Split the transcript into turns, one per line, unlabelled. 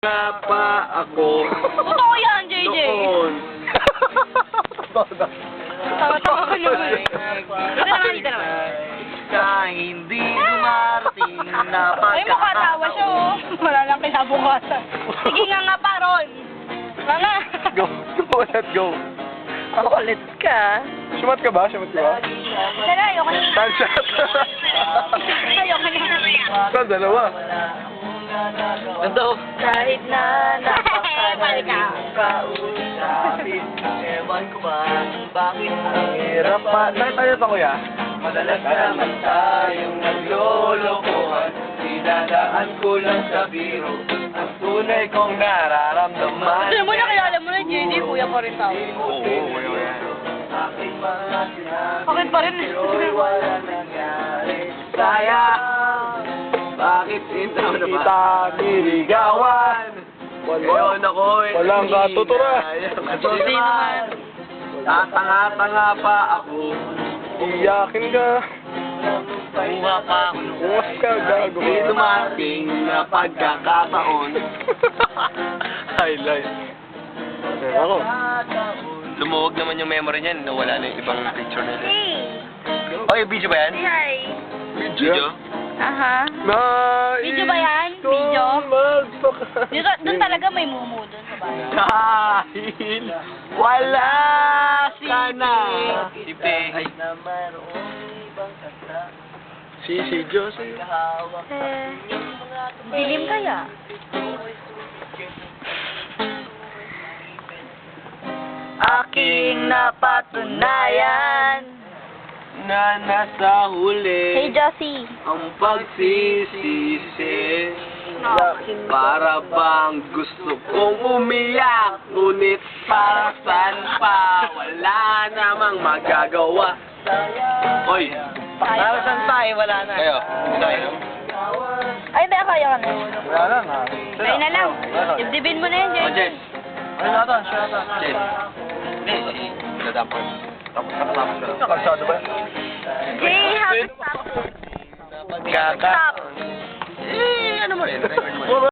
nga pa ako.
Totoo yan, JJ.
Noon.
Tawa-tawa ka naman. Dito naman.
Ka hindi dumarating na
Ay, mukha tawa siya, oh. Wala lang kinabukasan. Sige nga pa, Ron. Nga.
Go. Let's go.
Ang kulit ka.
Sumat ka ba? Sumat ka ba?
Tara, ayoko na.
Sunshot.
Ayoko na.
Saan? Dalawa.
Ganto.
Kahit na napakalalim
kausapin, ewan ko ba bakit ang
Hirap pa. Tayo pa, kuya.
madalas naman tayong naglolokohan. Dinadaan ko lang sa biro ang tunay kong nararamdaman.
Alam mo na, kilala mo na, JJ, kuya pa rin tao.
Oo, kuya.
Aking mga sinabi,
Bakit pa rin?
pero'y wala nangyari. Sayang, bakit sinta na ba?
Kita niligawan.
Ngayon ako'y
Walang katutura.
Hindi naman.
Tatanga-tanga pa ako.
Iyakin ka.
Buha pa ako.
Ungas ka, gago.
Hindi dumating na pagkakataon.
Highlight. Ako.
Lumuwag naman yung memory niyan. Nawala na yung ibang picture nila.
Hey.
Oh, yung video ba yan?
Hi.
Video?
Aha. Video ba yan? Video? Dito, doon talaga may mumu doon sa bahay.
Dahil wala sana. Si Pe.
Si Josie.
Dilim kaya?
Aking napatunayan na nasa
Hey,
huli
Josie.
ang pagsisisi. Para bang gusto kong umiyak, ngunit para saan pa, wala namang magagawa. Oy, para saan pa eh, wala na. Kayo, kayo.
Ay, hindi, kaya ka na.
Wala na.
Kaya na lang. Dibdibin mo na yan,
O,
JJ.
Jess.
Ano na ito? Siya na ito.
Jess. Hindi, natapos.
Tapos ka. Kalsado ba?
Jay, happy stop.
Pagkaka.
Stop.
Eh, ano mo rin, record mo rin.